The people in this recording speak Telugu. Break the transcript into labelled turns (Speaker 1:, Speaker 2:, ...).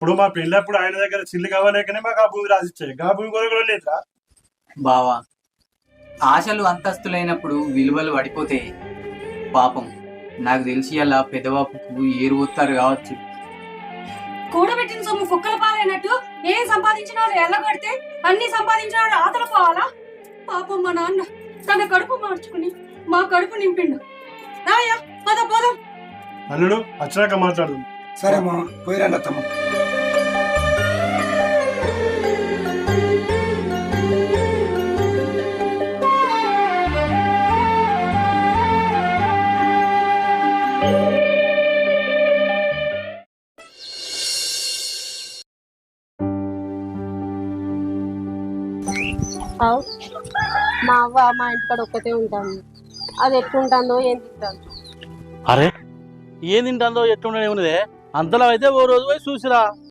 Speaker 1: ఇప్పుడు మా పెళ్ళప్పుడు ఆయన దగ్గర చిల్లు కావాలేకనే మాకు ఆ భూమి రాసిచ్చాయి ఆ భూమి కొరకు లేదురా.
Speaker 2: బావా, ఆశలు అంతస్తులైనప్పుడు విలువలు పడిపోతే పాపం నాకు తెలిసి అలా పెదవాపుకు ఏరు పోతారు కావచ్చు.
Speaker 3: కూడబెట్టిన సొమ్ము కుక్కల పాలైనట్టు ఏం సంపాదించినాడు ఎల్లగొడితే అన్ని సంపాదించినాడు ఆతల పోవాలా? పాపం మా నాన్న తన కడుపు మార్చుకుని మా కడుపు నింపిండు. రాయ్యా పద పోదాం.
Speaker 1: అల్లుడు వచ్చినాక మాట్లాడు.
Speaker 4: సరే మా పోయిరండి అత్తమ్మ.
Speaker 5: మా అవ్వ మా ఇంటికాడ ఒక్కతే ఉంటాను. అది ఎట్లుంటుందో ఏం తింటాను.
Speaker 6: అరే ఏం తింటుందో ఎట్లుండే ఉన్నదే అంతలో అయితే ఓ రోజు పోయి చూసిరా.